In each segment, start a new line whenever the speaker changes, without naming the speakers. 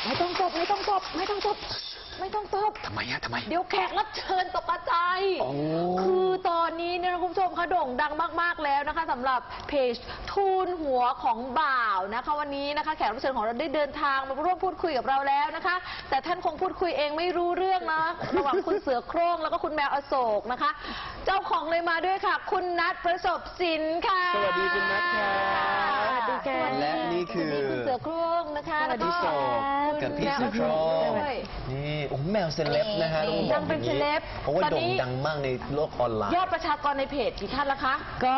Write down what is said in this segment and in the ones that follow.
ไม่ต้องตบไม่ต้องตบไม่ต้องตบไม่ต้องตบ
ทำไมทำไม
เดี๋ยวแขกรับเชิญตกใจคือตอนนี้เนี่ยคุณผู้ชมคะโด่งดังมากๆแล้วนะคะสำหรับเพจทูนหัวของบ่าวนะคะวันนี้นะคะแขกรับเชิญของเราได้เดินทางมาร่วมพูดคุยกับเราแล้วนะคะแต่ท่านคงพูดคุยเองไม่รู้เรื่องนะระหว่างคุณเสือโคร่งแล้วก็คุณแมวอโศกนะคะเจ้าของเลยมาด้วยค่ะคุณนัทประสบสินค่ะ
สวัสดีคุณนัทค่ะ
สวัสดีค่ะ
และนี่คือ
คุณเสือโคร่งนะคะแล้วก็
กับพี่เสือโคร่งนี่โอ้แมวเซเลบนะฮะ
ดังเป็นเซเลบ
เพราะว่าโด่งดังมากในโลกออนไลน์
ยอดประชากรในเพจกี่ท่านละคะ
ก็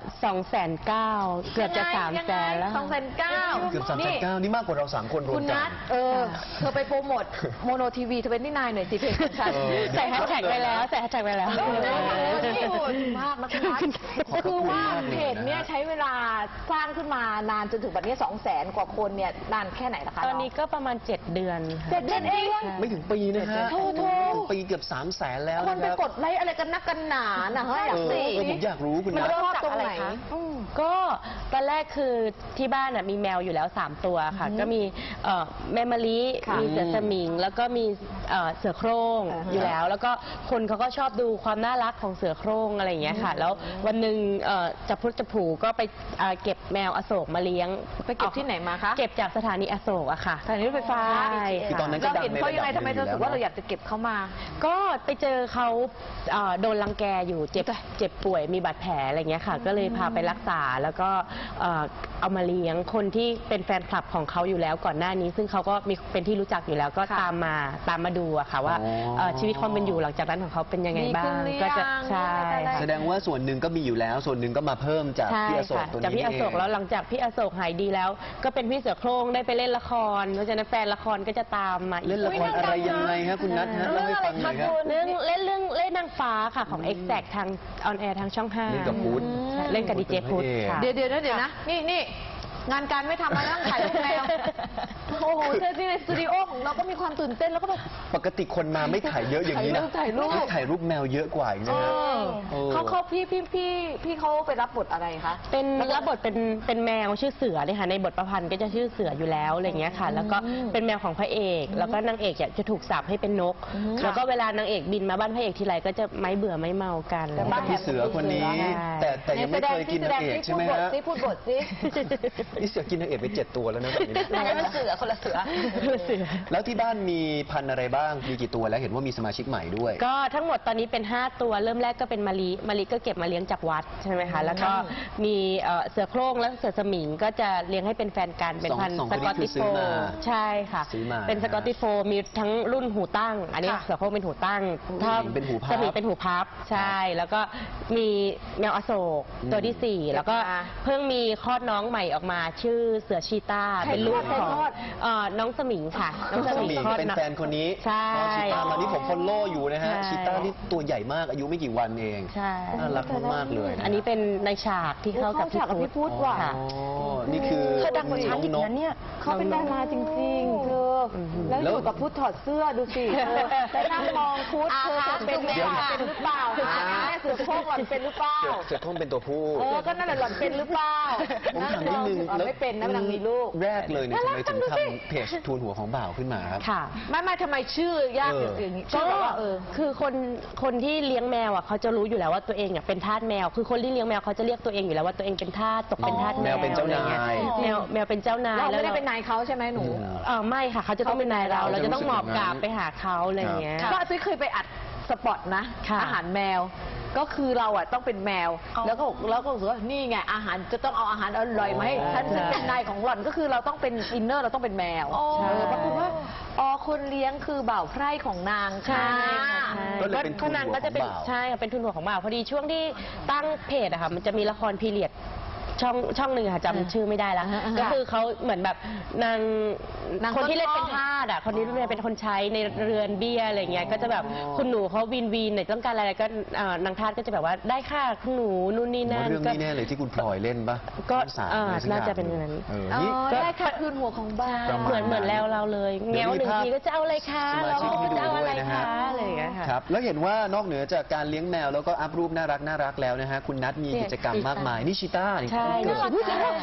209,000 เกือบจะ 300,000 แล้ว
209,000
เกือบ309,000นี่มากกว่าเรา3คนรวมกัน
คุณนัทเธอไปโปรโมทโมโนทีวี29หน่อยสิเพจของฉัน
ใส่แฮชแท็กไปแล้วใส่แฮชแท็กไปแล้ว
มากนะคุณนัทคือว่าเพจเนี้ยใช้เวลาสร้างขึ้นมานานจนถึงบัดนี้200,000 กว่าคนเนี่ยนานแค่ไหนนะคะ
ตอนนี้ก็ประมาณ7 เดือน
7 เดือนเอง
ไม่ถึงปีนะฮะปีเกือบ300,000แล้ว
คนไปกดไลค์อะไรกันนักกันหนานะฮะอยากสิ
ผมอยากรู้คุณนัท
มันเริ่มจากอะไรคะ
ก็ตอนแรกคือที่บ้านมีแมวอยู่แล้ว3 ตัวค่ะก็มีแม่มะลิมีเสือสมิงแล้วก็มีเสือโคร่งอยู่แล้วแล้วก็คนเขาก็ชอบดูความน่ารักของเสือโคร่งอะไรอย่างเงี้ยค่ะแล้ววันหนึ่งจะพุทธผูก็ไปเก็บแมวอโศกมาเลี้ยง
ไปเก็บที่ไหนมาคะ
เก็บจากสถานีอโศกอะค่ะ
สถานีรถไฟฟ้า
คือตอนนั้นก็
เราเห็นเขายังไงทำไมเธอรู้สึกว่าเราอยากจะเก็บเขามา
ก็ไปเจอเขาโดนรังแกอยู่เจ็บป่วยมีบาดแผลอะไรเงี้ยค่ะก็เลยพาไปรักษาแล้วก็เอามาเลี้ยงคนที่เป็นแฟนคลับของเขาอยู่แล้วก่อนหน้านี้ซึ่งเขาก็มีเป็นที่รู้จักอยู่แล้วก็ตามมาดูอะค่ะว่าชีวิตความเป็นอยู่หลังจากนั้นของเขาเป็นยังไงบ้าง
ก็จะ
ใช่
แสดงว่าส่วนหนึ่งก็มีอยู่แล้วส่วนหนึ่งก็มาเพิ่มจากพี่อโศกตัวนี้
จากพี่อโศกแล้วหลังจากพี่อโศกหายดีแล้วก็เป็นพี่เสือโคร่งได้ไปเล่นละครเพราะฉะนั้นแฟนละครก็จะตามมา
เล่นละครอะไรยังไงฮะคุณนัทฮะเล่าให้ฟังหน่อยครับ
เล่นนางฟ้าค่ะของ Exact ทางออนแอร์ทางช่อง 5เล่
นกับพุทธ
เล่นกับดีเจพุทธ
เดี๋ยวนะนี่งานการไม่ทำมานั่งถ่ายรูปแมวโอ้โหเจอที่ในสตูดิโอของเราก็มีความตื่นเต้นแล้วก็แบบ
ปกติคนมาไม่ถ่ายเยอะอย่างนี้นะ
ถ่าย
รูปแมวเยอะกว่าอีกนะฮะ
เขาพี่เขาไปรับบทอะไรคะ
เป็นรับบทเป็นแมวชื่อเสือเนี่ยค่ะในบทประพันธ์ก็จะชื่อเสืออยู่แล้วอะไรเงี้ยค่ะแล้วก็เป็นแมวของพระเอกแล้วก็นางเอกจะถูกสาปให้เป็นนกแล้วก็เวลานางเอกบินมาบ้านพระเอกทีไรก็จะไม่เบื่อไม่เมากัน
บ้านพี่เสือคนนี้แต่ยังไม่เคยกินนางเอกใช่ไหมฮะ
พูดบทสิ
นี่เสือกินนางเอกไป7 ตัวแล้วนะแบบนี้
เป็นเสือคนละเสือ
แล้วที่บ้านมีพันธุ์อะไรบ้างมีกี่ตัวแล้วเห็นว่ามีสมาชิกใหม่ด้วย
ก็ทั้งหมดตอนนี้เป็น5 ตัวเริ่มแรกก็เป็นมะลิก็เก็บมาเลี้ยงจากวัดใช่ไหมคะแล้วก็มีเสือโคร่งและเสือสมิงก็จะเลี้ยงให้เป็นแฟนกันเป็นพันธุ์สกอตติชโฟใช่ค่ะเป็นสกอตติชโฟมีทั้งรุ่นหูตั้งอันนี้เสือโคร่งเป็นหูตั้งถ้าสมิงเป็นหูพับใช่แล้วก็มีแมวอโศกตัวที่4แล้วก็เพิ่งมีคลอดน้องใหม่ออกมาชื่อเสือชีต้าเป็นลูกของน้องสมิงค่ะ
น้องสมิงเป็นแฟนคนนี้
ใช่
ชีต้ามานี่ผมฟอลโล่อยู่นะฮะชีต้าที่ตัวใหญ่มากอายุไม่กี่วันเองน่ารักมากเลย
อันนี้เป็นในฉากที่เข้ากับพี่พุทธ
ว่ะ
นี่คือ
เขาดังกว่าฉันอีกนะเนี่ยเขาเป็นดาราจริงๆเธอแล้วอยู่กับพุทธถอดเสื้อดูสิแต่นั่งมองพุทธเธอจะเป็นหรือเปล่าเสือโคร่งหล่อนเป็นหรือเปล่า
เสือโคร่งเป็นตัวผู้
ก็นั่นแหละหล่อนเป็นหรือเปล่า
ผมถามนิดนึง
ไม่เป็นนะมันมีลูก
แรกเลยเนี่ยทำไมถึงทำเพจทูนหัวของบ่าวขึ้นมาครับ
ค่ะ
ไม่ทำไมชื่อยากอย่างนี้
ก็คือคนที่เลี้ยงแมวอ่ะเขาจะรู้อยู่แล้วว่าตัวเองเป็นทาสแมวคือคนที่เลี้ยงแมวเขาจะเรียกตัวเองอยู่แล้วว่าตัวเองเป็นทาสตกเป็นทาสแมว
เป็นเจ้านาย
แมวเป็นเจ้านาย
เราไม่ได้เป็นนายเขาใช่ไหมหนู
ไม่ค่ะเขาจะต้องเป็นนายเราจะต้องหมอบกราบไปหาเขาอะไรเงี้ย
ก็ซื้อเคยไปอัดสปอตนะอาหารแมวก็คือเราอ่ะต้องเป็นแมวแล้วก็รู้สึกว่านี่ไงอาหารจะต้องเอาอาหารอร่อยมาให้ฉันซึ่งเป็นนายของหล่อนก็คือเราต้องเป็นอินเนอร์เราต้องเป็นแมวปรากฏว่าคนเลี้ยงคือบ่าวไพร่ของนาง
ใช่ก็นางก็จะเป็นใช่เป็นทุนหัวของบ่าวพอดีช่วงที่ตั้งเพจอะค่ะมันจะมีละครพีเรียดช่องหนึ่งค่ะจำชื่อไม่ได้แล้วก็คือเขาเหมือนแบบนางคนที่เล่นเป็นทาสอ่ะคนนี้เป็นคนใช้ในเรือนเบี้ยอะไรเงี้ยก็จะแบบคุณหนูเขาวีนไหนต้องการอะไรก็นางทาสก็จะแบบว่าได้ค่ะคุณหนูนู่นนี่นั่น
เรื่องนี้แน่เลยที่คุณพลอยเล่นปะ
ก็น่าจะเป็นนั้น
ได้ค่ะคืนหัวของบ้าน
เหมือนแล้วเราเลยเงี้ยวหนึ่งทีก็จะเอาอะไรคะเราจะเอาอะไรคะอะไรอย่างเงี้ยค่ะ
ครับแล้วเห็นว่านอกเหนือจากการเลี้ยงแมวแล้วก็อัพรูปน่ารักแล้วนะฮะคุณนัทมีกิจกรรมมากมายนี่ชีต้า
ใช่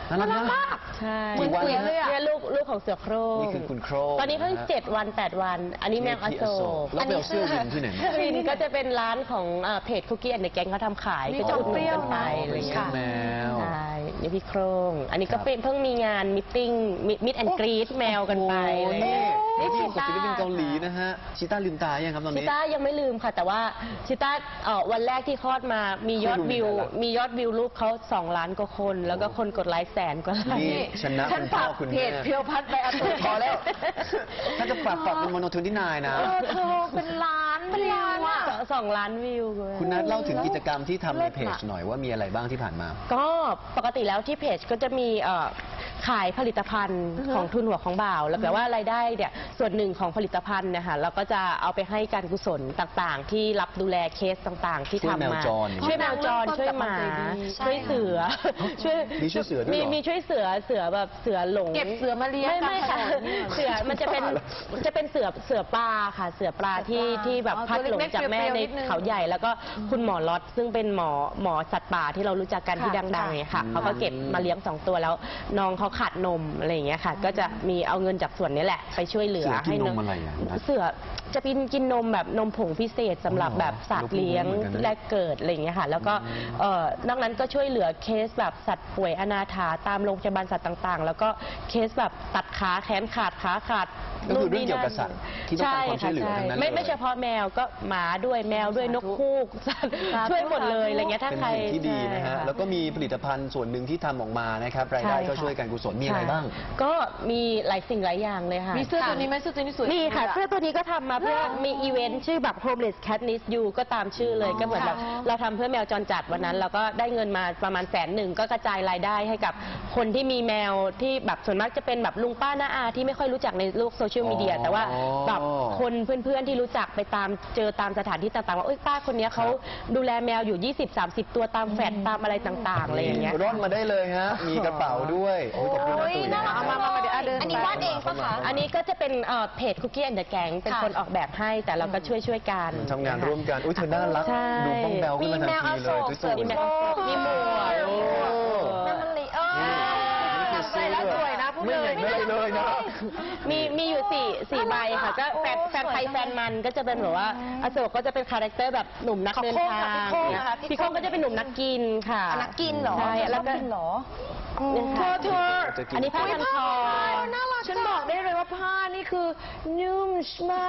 น่ารักมาก
ใช่
เหมือนเสือเลยอะ
เนี่ยลูกของเสือโคร่ง
นี่คือคุณโครง
ตอนนี้เพิ่ง
ะฮะ
7 วัน 8 วัน อันนี้แมวอโศก
แล้วไปเอาเสื้อวินที่ไหนมา
วินก็จะเป็นร้านของเพจคุกกี้แอนด์แกงเขาทำขาย
นี่
ก็จะอุดหนุนกันไป
จอมเปรี้ยวนะ
อะไรอย่างเงี้ย
แมว
ใช่นี่พี่โครงอันนี้ก็เป็นเพิ่งมีงานมิทติ้งมิดแอนกรีดแมวกันไป
โอ้
อะไร
โห
อย่างเงี้ย
นี่
นี่
ที่กับศิลปินเกาหลีนะฮะชิต้าลืมตายังครับตอน
ชิ
นี้
ต้ายังไม่ลืมค่ะ แต่ว่าชิต้าวันแรกที่คลอดมามียอดวิว
ไม่รู้เหมือนกัน
มียอดวิวรูปเขา2 ล้านกว่าคน แล้วก็คนกดไลค์100,000 กว่าไล
นี่
ค์
ชนะ
ฉัน
คุณพ่
ฝา
อก คุณ
เพ
แม่
จเพียวพัดไปอัตโตพอแล้ว
ถ้าจะปรับเป็นโมโนทูนที่นายนะ
เธอเป็นล้านวิวอะ
2 ล้านวิว
คุณนัทเล่าถึงกิจกรรมที่ทำในเพจ
เลิศอะ
หน่อยว่ามีอะไรบ้างที่ผ่านมา
ก็ปกติแล้วที่เพจก็จะมีขายผลิตภัณฑ์ของทุนหัวของบ่าว แล้วแต่ว่ารายได้เนี่ยส่วนหนึ่งของผลิตภัณฑ์เนะคะเราก็จะเอาไปให้การกุศลต่างๆ ที่รับดูแลเคสต่างๆ ที่
ช่วย
ทำ
แมว
มา
จร
ช่วยแมวจรช่วยหมา ช่วยเสือช่วย
มีช่วยเสือด้วยเหรอ
มีช่วยเสือแบบเสือหลง
เก็บเสือมาเลี้ยง
ไม่ค่ะ
ตามถนนเนี่ย
เสือมันจะเป็นเสือปลาค่ะ เสือปลาที่แบบ
อ๋อ
พัดหลง
ตัวเล็กๆ
จากแม่
เปรี้ยวๆ
ใน
นิดนึง
เขาใหญ่แล้วก็คุณหมอล็อตซึ่งเป็นหมอสัตว์ป่าที่เรารู้จักกันที่
ค่ะ
ดังๆเนี่ยค่ะ
อืม
เขาก็เก็บมาเลี้ยง2 ตัวแล้วน้องเขาขาดนมอะไรอย่างเงี้ยค่ะ ก็จะมีเอาเงินจากส่วนนี้แหละไปช่วยเหลือ
เสือกินนม
ให้
อะไรอ่ะนัท
เสือจะกินนมแบบนมผงพิเศษสำหรับแบบสัตว์เลี้ยง
เราเพิ่งรู้เหมือนกันนะ
แรกเกิดอะไรอย่างเงี้ยค่ะแล้วก็นอกนั้นก็ช่วยเหลือเคสแบบสัตว์ป่วยอนาถาตามโรงพยาบาลสัตว์ต่างๆ แล้วก็เคสแบบตัดขาแขนขาดขาขาด
ก็คือเรื่องเกี่ยวกับสัตว์ที่ต้องการความช่วยเหลือ
ใ
ทั้งนั้นเลย
ไม่เฉพาะแมวก็หมาด้วยแมวด้วยนกฮูกสัตว์ช่วยหมดเลยอะไรเงี้ยถ้า
เป็น
ใคร
สิ่งที่ดีนะฮะ
ใช่ค่
แล้วก็มีผลิตภัณฑ์ส่วนหนึ่งที่ทำออกมานะครับรายได้
ใช่ค่ะ
ก็ช่วยการกุศลมีอะไรบ้าง
ก็มีหลายสิ่งหลายอย่างเลยค่ะ
มีเสื้อตัวนี้ไหมเสื้อตัวนี้สวย
นี่ค่ะ
จังลย
เสื้อตัวนี้ก็ทำมาเพื่อมีอีเวนต์ชื่อแบบ homeless cat needs you ก็ตามชื่อเลยก็เหมือนแบบเราทำเพื่อแมวจรจัดวันนั้นเราก็ได้เงินมาประมาณ100,000ก็กระจายรายได้ให้กับคนที่มีแมวที่แบบส่วนมากจะเป็นแบบลุงป้าน้าอาที่ไม่ค่อยรู้จักในโลกโซเชียลมีเดีย
อ๋อ
แต่ว่าแบบคนเพื่อนๆที่รู้จักไปตามเจอตามสถานที่ต่างๆว่าเอ้ยป้าคนเนี้ยเขาดูแลแมวอยู่ 20-30 ตัวตามแฟลตตามอะไรต่างๆอะไรอย่างเงี้ย
ร่อนมาได้เลยฮะ มีกระเป๋าด้วยโอ้ยขอบคุณนะ
โอ้ย
ตุ๋ย
น่ารัก
นะ
มาเดี๋ยวเดิน
อันนี้วาดเองปะคะ
อันนี้ก็จะเป็นเพจ Cookie and the Gang เป็นคนออกแบบให้แต่เราก็ช่วยกัน
ทำงานร่วมกัน อุ้ยเธอน่ารัก
ใช่
ดูบ้องแบวขึ้นมาทันทีเลย
มี
ตุ้ย
แมวอโศก
ตุ๋ย
มีหมวก
โอ้
นั่นมันลี
ใส่แล้วสวยนะพูด
ไม่
เล
ใหญ่
ย
ไม่ได้เลยนะ
มีอยู่สี่ใบค่ะก็แฟนไทยแฟนมันก็จะเป็นแบบว่าอโศกก็จะเป็นคาแรคเตอร์แบบหนุ่มนักเดินทาง
พี่โค้งนะคะ
พี่โค้งก็จะเป็นหนุ่มนักกินค่ะ
นักกินเหรอ
ใช่แล้วก็
ชอบกินเหรอ
เนี่ยค่ะ
เธอ
อันนี้ผ้าพันคอ
น่ารักฉันบอกได้เลยว่าผ้านี่คือนุ่มมาก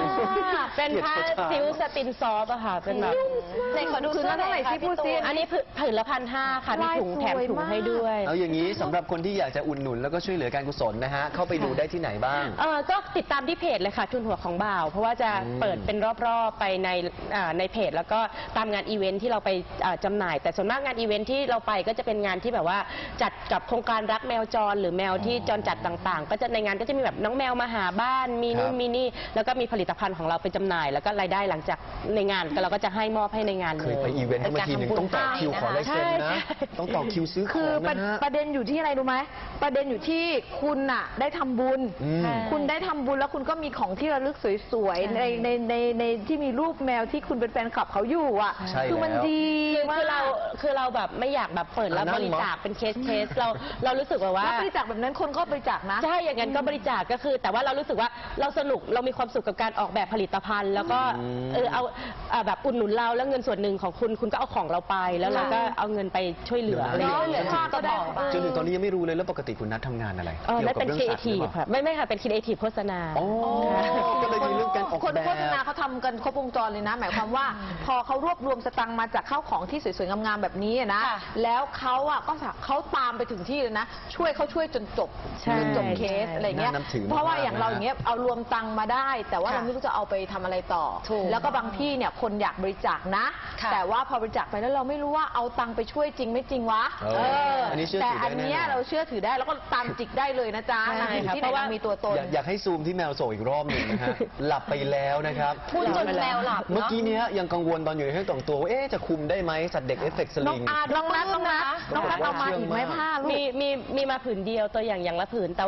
เป็นผ้าซิลสตินซอฟต์อะค่ะเป็นแบบ
ไหนขอดู
คือ
เสื้อ
เท่าไหร่
ค่ะ
สิพูดสิ
อันนี้ผืนละ1,500ค่ะมีถุงแถมถุงให้ด้วย
เอาอย่างนี้สำหรับคนที่อยากจะอุดหนุนแล้วก็ช่วยเหลือการกุศลนะฮะ เข้าไปดูได้ที่ไหนบ้าง
ก็ติดตามที่เพจเลยค่ะทุนหัวของบ่าว เพราะว่าจะเปิดเป็นรอบๆไปในเพจ แล้วก็ตามงานอีเวนท์ที่เราไปจำหน่าย แต่ส่วนมากงานอีเวนท์ที่เราไปก็จะเป็นงานที่แบบว่าจัดกับโครงการรักแมวจรหรือแมวที่จรจัดต่างๆ ก็จะในงานก็จะมีแบบน้องแมวมาหาบ้านมีนู่
ครั
น
บ
มีนี่แล้วก็มีผลิตภัณฑ์ของเราไปจำหน่าย แล้วก็รายได้หลังจากในงานก็เราก็จะให้มอบให้ในงาน
เค
เลย ย
ไปอีเวนต์เข้ามาทีนึงต้องต่อคิวขอลายเซ็นนะ ต้องต่อคิวซื้อข
คือ
องนะฮะ
ประเด็นอยู่ที่อะไรรู้ไหมประเด็นอยู่ที่คุณน่ะได้ทำบุญ
อืม
คุณได้ทำบุญแล้วคุณก็มีของที่ระลึกสวยๆในที่มีรูปแมวที่คุณเป็นแฟนคลับเขาอยู่อ่ะ
ใช่
คือมัน
แล้ว
ดี
คือเราแบบไม่อยากแบบเปิดแล้ว
อ่ะนั่
บ
น
ริจาค
มั้ย
เป็นเคสเรารู้สึกว่า
แล้วบริจาคแบบนั้นคนก็บริจาคนะ
ใช่อย่างนั้นก็บริจาคก็คือ แต่ว่าเรารู้สึกว่าเราสนุกเรามีความสุขกับการออกแบบผลิตภัณฑ์ แล้วก็เอาแบบอุดหนุนเราแล้วเงินส่วนหนึ่งของคุณก็เอาของเราไปแล้วเราก็เอาเงินไปช่วยเหลืออะไรอย่าง
เหลื
เงี้
อย ค่าก็ได้
จนถึงตอนนี้ยังไม่รู้เลยแล้วปกติคุณนัททำงานอะไร
นั่นเป็นครีเอทีฟ
หรือเปล่า
ค่ะไม่ค่ะเป็นครีเอทีฟโฆษณา
อ๋อก็เลยมีเรื่องการออก
คน
แบบ
โฆษณาเขาทำกันครบวงจรเลยนะ หมายความว่าพอเขารวบรวมสตังค์มาจากข้าวของที่สวยๆงามๆแบบนี้อะนะ
ค่ะ
แล้วเขาอ่ะก็เขาตามไปถึงที่เลยนะ ช่วยจนจบ
ใช่
จนจบเคสอะไรเงี้ย
น่านับถือมากๆ
เพราะว่าอย่างเรา
นะ
อย่างเงี้ยเอารวมตังค์มาได้ แต่ว่าเราไม่รู้จะเอาไปทำอะไรต่อ
ถูก
แล้วก็บางที่เนี่ยคนอยากบริจาคนะ
ค่ะ
แต่ว่าพอบริจาคไปแล้วเราไม่รู้ว่าเอาตังค์ไปช่วยจริงไม่จริงวะ
อันนี้เชื่อ
แต่
ถือได้
อันเนี้ย
แน่นอน
เราเชื่อถือได้แล้วก็ตามจิกได้เลยนะจ๊ะ
ใช่
นางอยู่
ค่ะ
ที่
เพ
ไหน
ราะว่า
นางมีตัวตน
อยากให้ซูมที่แมวโศกอีกรอบหนึ่งนะฮะ หลับไปแล้วนะครับ
พูดจนแมวหลับ
เมื่อ
เนาะ
กี้เนี้ยยังกังวลตอนอยู่ในห้องแต่งตัวว่าจะคุมได้ไหมสัตว์เด็กเอฟเฟกต์ส
น้อง
ลิง
อาน้องนัทเอามาอีกไหมผ้าลูก
มีมาผืนเดียวตัวอย่างละผืนแต่ว่า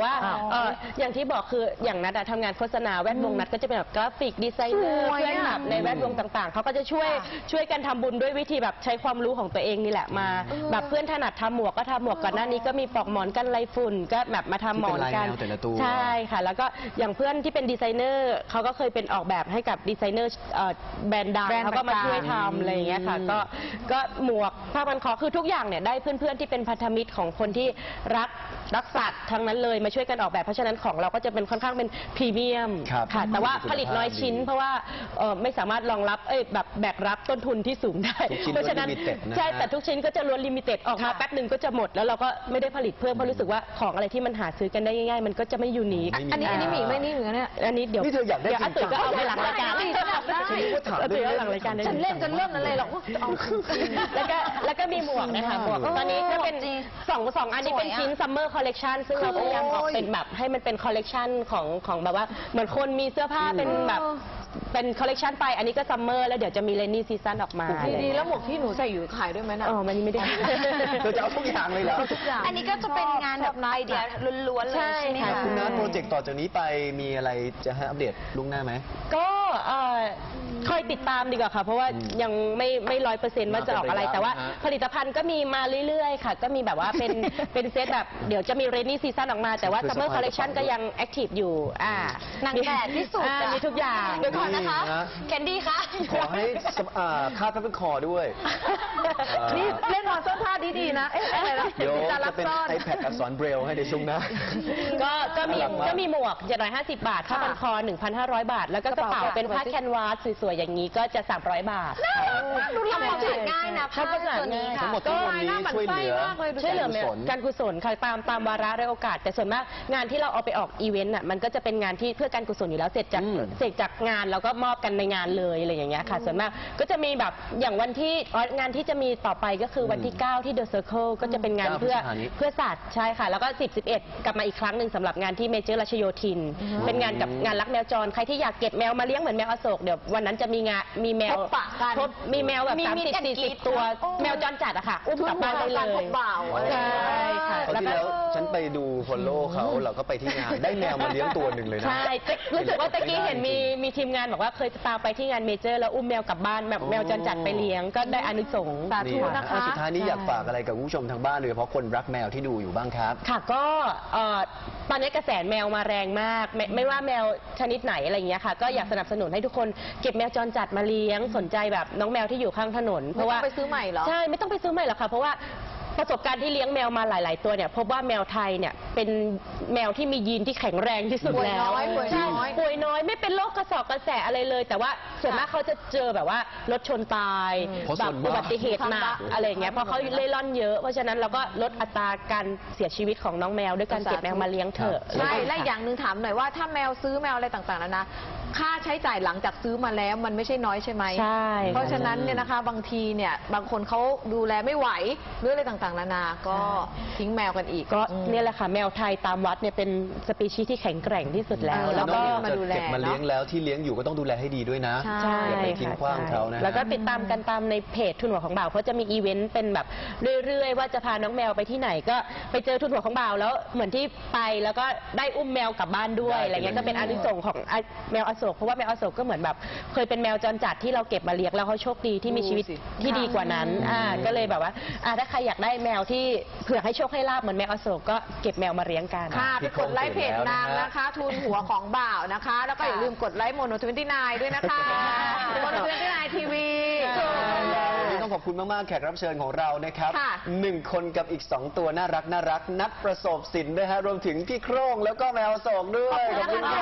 ว่าอย่างที่บอกคืออย่างนัดทำงานโฆษณาแวดวงนัดก็จะเป็นแบบกราฟิกดีไซเนอร์เพื่อนแบบในแวดวงต่างๆเขาก็จะช่วยกันทำบุญด้วยวิธีแบบใช้ความรู้ของตัวเองนี่แหละมาแบบเพื่อนถนัดทำหมวกก็ทำหมวกก่อนหน้านี้ก็มีปลอกหมอนกันไรฝุ่นก็แบบมาทำหมอนกัน ใช่ค่ะแล้วก็อย่างเพื่อนที่เป็นดีไซเนอร์เขาก็เคยเป็นออกแบบให้กับดีไซเนอร์แบรนด์ดังเขาก็มาช่วยทำอะไรอย่างเงี้ยค่ะก็หมวกผ้าพันคอคือทุกอย่างเนี่ยได้เพื่อนๆที่เป็นพันธมิตรของคนที่รักสัตว์ทั้งนั้นเลยมาช่วยกันออกแบบเพราะฉะนั้นของเราก็จะเป็นค่อนข้างเป็นพรีเมียมค่ะแต่ว่าผลิตน้อยชิ้นเพราะว่าไม่สามารถรองรับแบบแบกรับต้นทุนที่สูงได้เพราะฉะนั้นใช่แต่ทุกชิ้นก็จะล้วนลิมิเต็ดออกมาแป๊บหนึ่งก็จะหมดแล้วเราก็ไม่ได้ผลิตเพิ่มเพราะรู้สึกว่าของอะไรที่มันหาซื้อกันได้ง่ายๆมันก็จะไม่ยูนิค
อันนี้มีไม่นี่เหมือนกันเนี่ย
อันนี้เดี๋ยวอาตุ๋ยก็เอาไปหลังรายการ
ตุ๋ย
เอาหลังรายการ
ฉันเล่นจนเริ่มอะไรหรอก
แล้วก็มีหมวกนะคะหมวกตอนนี้ก็เป็นสองอันนี้เป็นชิ้นซัมเมอร์คอลเลกชันซึ่งเราพยายามออกเป็นแบบให้มันเป็นคอลเลกชันของแบบว่าเหมือนคนมีเสื้อผ้าเป็นแบบเป็นคอลเลกชันไปอันนี้ก็ซัมเมอร์แล้วเดี๋ยวจะมีเรนนี่ซีซั่นออกมา
ดีแล้วหมวกที่หนูใส่อยู่ขายด้วยไหมนะ
มันไม่ได้
เธอจะเอาทุกอย่างเลยเหรอ
ทุกอย่าง
อันนี้ก็จะเป็นงานแบบไอเดียล้วนๆเลยใช่ไหมคะ
คุณนัทโปรเจกต์ต่อจากนี้ไปมีอะไรจะให้อัปเดตล่วงหน้าไหม
ก็คอยติดตามดีกว่าค่ะเพราะว่ายังไม่100%ว่าจะออกอะไรแต่ว่าผลิตภัณฑ์ก็มีมาเรื่อยๆค่ะก็มีแบบว่าเป็นเซตแบบเดี๋ยวจะมีเรนนี่ซีซั่นออกมาแต่ว่าซัมเมอร์คอลเลคชันก็ยังแอคทีฟอยู่
นางแบบที่สุด
มีทุกอย่าง
เดี๋ยวก่อนนะคะแคนดี้คะ
ขอให้คาดผ้าพันคอด้วย
นี่เล่นนอนเสื้อผ้าดีๆนะอะไรนะ
เดี๋ยวจะเป็น iPad อักษรเบรลให้ในช่วงหน้า
ก็มีหมวก750 บาทผ้าพันคอ 1,500 บาทแล้วก็กระเป๋าเป็นผ้าแคนวาสสวยๆอย่างนี้ก็จะ300 บาท
ดูทำความสะอาดง่ายนะผ้าตัวนี้
ทั้งหมดทั้งมวลนี้ช่วยเหลือ
การกุศลค่ะตามวาระและโอกาสแต่ส่วนมากงานที่เราเอาไปออกอีเวนต์มันก็จะเป็นงานที่เพื่อการกุศลอยู่แล้วเสร็จจากงานเราก็มอบกันในงานเลยอะไรอย่างเงี้ยค่ะส่วนมากก็จะมีแบบอย่างวันที่งานที่จะมีต่อไปก็คือวันที่9ที่ The Circle ก็จะเป็นงานเพื่อสัตว์ใช่ค่ะแล้วก็10-11กลับมาอีกครั้งหนึ่งสำหรับงานที่เมเจอร์รัชโยธินเป็นงานกับงานรักแมวจรใครที่อยากเก็บแมวมาเลี้ยงเหมือนแมวอโศกเดี๋ยววันนั้นจะมีแมวมีแมวแบบ30-40 ตัวแมวจรจัดอะค่ะอุ้มกลับบ้านได้เลยใช่ค่ะ
แล้วฉันไปดูฟอลโล่เขาเราก็ไปที่งานได้แมวมาเลี้ยงตัวหนึ่งเลยนะ
ใช่รู้สึกว่าตะกี้เห็นมีทีมงานบอกว่าเคยตามไปที่งานเมเจอร์แล้วอุ้มแมวกลับบ้านแบบแมวจรจัดไปเลี้ยงก็ได้อานิสงส์
สาธุนะคะ
สุดท้ายนี้อยากฝากอะไรกับผู้ชมทางบ้านโดยเฉพาะคนรักแมวที่ดูอยู่บ้างครับ
ค่ะก็ตอนนี้กระแสแมวมาแรงมากไม่ว่าแมวชนิดไหนอะไรอย่างเงี้ยค่ะก็อยากสนับสนุนให้ทุกคนเก็บแมวจรจัดมาเลี้ยงสนใจแบบน้องแมวที่อยู่ข้างถนน
เพราะว่าไปซื้อใหม่เหรอ
ใช่ไม่ต้องไปซื้อใหม่หรอกค่ะเพราะว่าประสบการณ์ที่เลี้ยงแมวมาหลาย ๆ ตัวเนี่ยพบว่าแมวไทยเนี่ยเป็นแมวที่มียีนที่แข็งแรงที่สุดแล้วป่วยน้อยไม่เป็นโรคกระสอบกระแสอะไรเลยแต่ว่าส่วนมากเขาจะเจอแบบว่ารถชนตายแบบอุบัติเหตุหนักอะไรอย่างเงี้ยเพราะเขาเล่ร่อนเยอะเพราะฉะนั้นเราก็ลดอัตราการเสียชีวิตของน้องแมวด้วยการเก็บแมวมาเลี้ยงเถอะ
ใช่และอย่างหนึ่งถามหน่อยว่าถ้าแมวซื้อแมวอะไรต่างๆแล้วนะค่าใช้จ่ายหลังจากซื้อมาแล้วมันไม่ใช่น้อยใช่ไหม
ใช่
เพราะฉะนั้นเนี่ยนะคะบางทีเนี่ยบางคนเขาดูแลไม่ไหวหรืออะไรต่างๆนานาก็ทิ้งแมวกันอีก
ก็เนี่ยแหละค่ะแมวไทยตามวัดเนี่ยเป็นสปีชีส์ที่แข็งแกร่งที่สุดแล้ว
แล้วก็มาดูแลเก็บมาเลี้ยงแล้วที่เลี้ยงอยู่ก็ต้องดูแลให้ดีด้วยนะอย่าไปทิ้งขว้างเขานะ
แล้วก็ติดตามกันตามในเพจทุนหัวของบ่าวเขาจะมีอีเวนต์เป็นแบบเรื่อยๆว่าจะพาน้องแมวไปที่ไหนก็ไปเจอทุนหัวของบ่าวแล้วเหมือนที่ไปแล้วก็ได้อุ้มแมวกลับบ้านด้วยอะไรเงี้ยก็เป็นอานิสงส์ของแมวอโศกเพราะว่าแมวอโศกก็เหมือนแบบเคยเป็นแมวจรจัดที่เราเก็บมาเลี้ยงแล้วเขาโชคดีที่มีชีวิตที่ดีกว่านั้นก็เลยแบบว่าถ้าใครอยากได้แมวที่เผื่อให้โชคให้ลาบเหมือนแมวอโศกก็เก็บแมวมาเลี้ยงกัน
ค่ะไปกดไลค์เพจนางนะคะทุนหัวของบ่าวนะคะแล้วก็อย่าลืมกดไลค์โมโน29ด้วยนะคะโมโน29ทีวี
ต้องขอบคุณมากๆแขกรับเชิญของเรานะครับ1 คนกับอีก2 ตัวน่ารักนัดประสบสินด้วยฮะรวมถึงพี่โคร่งแล้วก็แมวอโศกด้วย
ขอบคุณค่ะ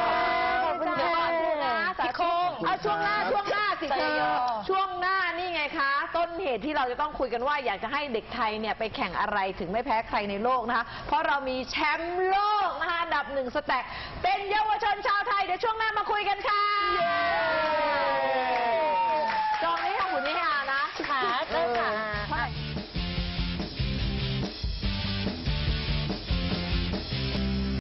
พี่โคร่งช่วงหน้าสิเธอช่วงหน้านี่ไงคะต้นเหตุที่เราจะต้องคุยกันว่าอยากจะให้เด็กไทยเนี่ยไปแข่งอะไรถึงไม่แพ้ใครในโลกนะคะเพราะเรามีแชมป์โลกนะคะอันดับ1 สแต็กเป็นเยาวชนชาวไทยเดี๋ยวช่วงหน้ามาคุยกันค่ะ